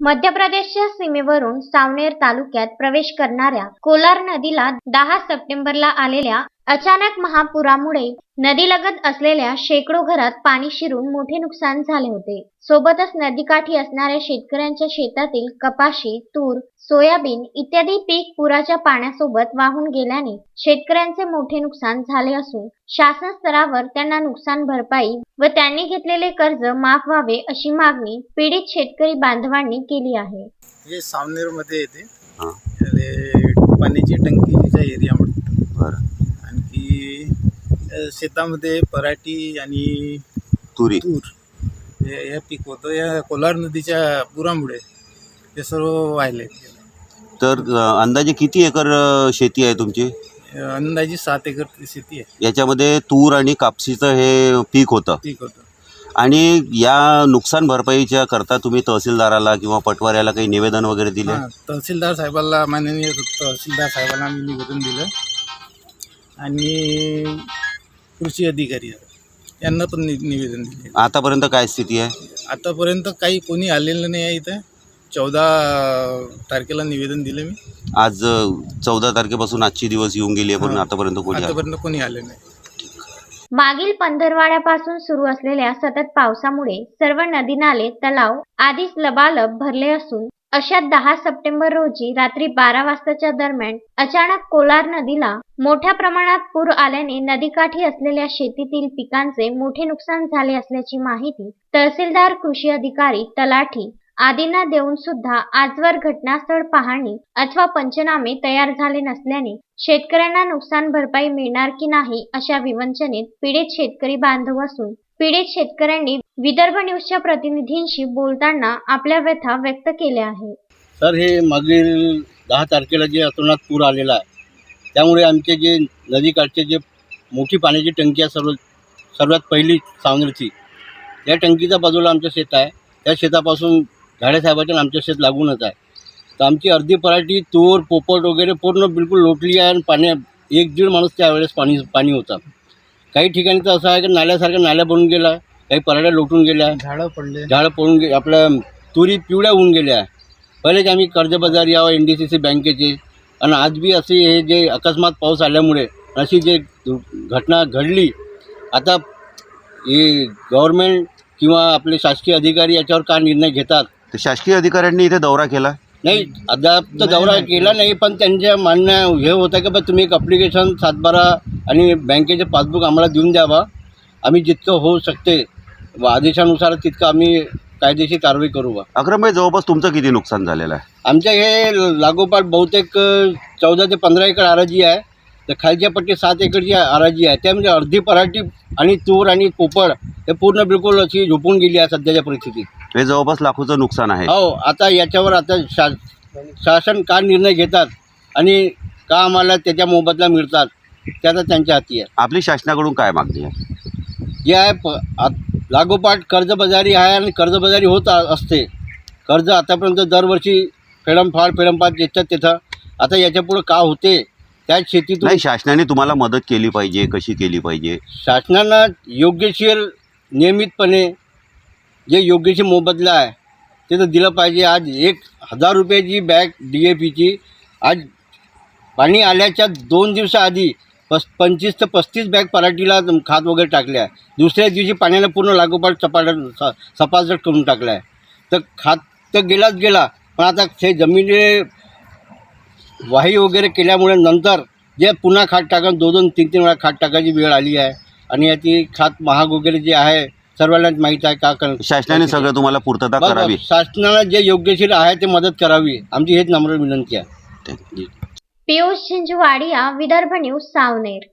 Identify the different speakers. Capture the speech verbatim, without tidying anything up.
Speaker 1: मध्य प्रदेशच्या सीमेवरून सावनेर तालुक्यात प्रवेश करणाऱ्या कोलार नदीला दहा सप्टेंबरला आलेल्या अचानक महापुरामुळे नदीलगत असलेल्या शेकडो घरात पाणी शिरून मोठे नुकसान झाले होते। सोबतच नदीकाठी असणाऱ्या शेतकऱ्यांच्या शेतातील कपाशी, तूर, सोयाबीन इत्यादी पीक पुराच्या पाण्यासोबत वाहून गेल्याने शेतकऱ्यांचे मोठे नुकसान झाले असून शासन स्तरावर त्यांना नुकसान भरपाई व त्यांनी घेतलेले कर्ज माफ व्हावे अशी मागणी पीडित शेतकरी बांधवांनी केली आहे।
Speaker 2: हे सावनेर मध्ये येते पाण्याची टंकीच्या एरियामध्ये बरं आणखी शेतामध्ये पराठी आणि
Speaker 3: तुरी
Speaker 2: तूर हे हे पीक होतं। या कोलार नदीच्या पुरामुळे हे सर्व वाहिले।
Speaker 3: तर अंदाजे किती एकर शेती आहे तुमची?
Speaker 2: अंदाजे सात एकर शेती आहे।
Speaker 3: याच्यामध्ये तूर आणि कापसीचं हे पीक होतं
Speaker 2: पीक होतं
Speaker 3: आणि या नुकसान भरपाईच्या करता तुम्ही तहसीलदाराला किंवा पटवाऱ्याला काही निवेदन वगैरे दिले?
Speaker 2: तहसीलदार साहेबांना माननीय तहसीलदार साहेबांना आम्ही निवेदन दिलं आणि कृषी अधिकारी यांना पण निवेदन दिले।
Speaker 3: आतापर्यंत काय स्थिती आहे?
Speaker 2: आतापर्यंत काही कोणी आलेलं नाही आहे। इथं चौदा तारखेला निवेदन दिलं मी।
Speaker 3: आज चौदा तारखेपासून आजची दिवस येऊन गेली आहे पण आतापर्यंत कोणी
Speaker 2: आतापर्यंत कोणी आले नाही।
Speaker 1: मागील पंधरवाड्यापासून सुरू असलेल्या सतत पावसामुळे सर्व नदी नाले तलाव आधीच लबालब भरले असून अशात दहा सप्टेंबर रोजी रात्री बारा वाजताच्या दरम्यान अचानक कोलार नदीला मोठ्या प्रमाणात पूर आल्याने नदीकाठी असलेल्या शेतीतील पिकांचे मोठे नुकसान झाले असल्याची माहिती तहसीलदार, कृषी अधिकारी, तलाठी आदींना देऊन सुद्धा आजवर घटनास्थळ पाहणी अथवा पंचनामे तयार झाले नसल्याने शेतकऱ्यांना नुकसान भरपाई मिळणार की नाही अशा विवंचनेत पीडित शेतकरी बांधव असून पीडित शेतकऱ्यांनी विदर्भ न्यूजच्या प्रतिनिधींशी बोलताना आपल्या व्यथा व्यक्त केल्या आहेत।
Speaker 4: सर, हे मागील दहा तारखेला जे अतोनात पूर आलेला आहे त्यामुळे आमचे जे नदीकाठचे जे मोठी पाण्याची टंकी आहे सर्व सर्वात पहिली सावनेरची, या टंकीच्या बाजूला आमचं शेत आहे। त्या शेतापासून झाडेसाहेबाच्या आमचं शेत लागूनच आहे। तर आमची अर्धी पराठी, तूर, पोपट वगैरे पूर्ण बिलकुल लोटली आहे आणि पाण्या एक दीड माणूस त्यावेळेस पाणी पाणी होता। काही ठिकाणी तर असं आहे की नाल्यासारखं नाल्या बनून गेला, काही पराठ्या लोटून गेल्या,
Speaker 2: झाडं पडले
Speaker 4: झाडं पडून गे आपल्या तुरी पिवळ्या होऊन गेल्या। पहिलेच आम्ही कर्जबाजारी यावं एन डी सी सी बँकेचे आणि आज बी असे हे जे अकस्मात पाऊस आल्यामुळे अशी जे घटना घडली, आता हे गव्हर्मेंट किंवा आपले शासकीय अधिकारी याच्यावर का निर्णय घेतात?
Speaker 3: तर शासकीय अधिकाऱ्यांनी इथे दौरा केला
Speaker 4: नाही, अद्याप तर दौरा केला नाही, पण त्यांच्या म्हणणं हे होतं की बा तुम्ही एक ॲप्लिकेशन सातबारा आणि बँकेचे पासबुक आम्हाला देऊन द्यावा, आम्ही जितकं होऊ शकते व आदेशानुसार तितकं आम्ही कायदेशीर कारवाई करू। बा
Speaker 3: अक्रमभाई, जवळपास तुमचं किती नुकसान झालेलं आहे?
Speaker 4: आमच्या हे लागोपाठ बहुतेक चौदा ते पंधरा एकर आराजी आहे। तर खालच्या पट्टी सात एकरची आराजी आहे। त्यामध्ये अर्धी पराठी आणि तूर आणि पोपळ हे पूर्ण बिलकुल अशी झोपून गेली आहे सध्याच्या परिस्थितीत।
Speaker 3: हे जवळपास लाखोचं नुकसान आहे।
Speaker 4: हो, आता याच्यावर आता शा शासन का निर्णय घेतात आणि का आम्हाला त्याच्या मोबदला मिळतात त्याचा त्यांच्या हाती आहे।
Speaker 3: आपली शासनाकडून काय मागणी आहे?
Speaker 4: जे आहे प लागोपाठ कर्जबाजारी आहे आणि कर्जबाजारी होत असते। कर्ज आतापर्यंत दरवर्षी फेडमफाड फेडमफाड येतात तिथं, आता याच्यापुढं का होते त्याच शेतीतून
Speaker 3: नाही, शासनाने तुम्हाला मदत केली पाहिजे, कशी केली पाहिजे?
Speaker 4: शासनानं योग्यशीर नियमितपणे जे योग्यशीर मोबदला आहे ते तर दिलं पाहिजे। आज एक हजार रुपयाची बॅग डी ए पीची आज पाणी आल्याच्या दोन दिवसाआधी पस पंचवीस ते पस्तीस बॅग पराठीला खात वगैरे टाकल्या। दुसऱ्या दिवशी पाण्यानं पूर्ण लागोपाठ सपाट सपासट करून टाकलं आहे। तर खात तर गेलाच गेला, पण आता ते जमिनी वाही वगैरे केल्यामुळे नंतर जे पुन्हा खात टाकून दोन दोन तीन तीन वेळा खात टाकायची वेळ आली आहे आणि याची खात महाग वगैरे जे आहे सर्वांनाच माहीत आहे। का कर
Speaker 3: शासनाने सगळं तुम्हाला पूर्तता करावी,
Speaker 4: शासनाला जे योग्यशीर आहे ते मदत करावी, आमची हेच नम्र विनंती आहे।
Speaker 1: पियुष झिंझवाडिया, विदर्भ न्यूज, सावनेर।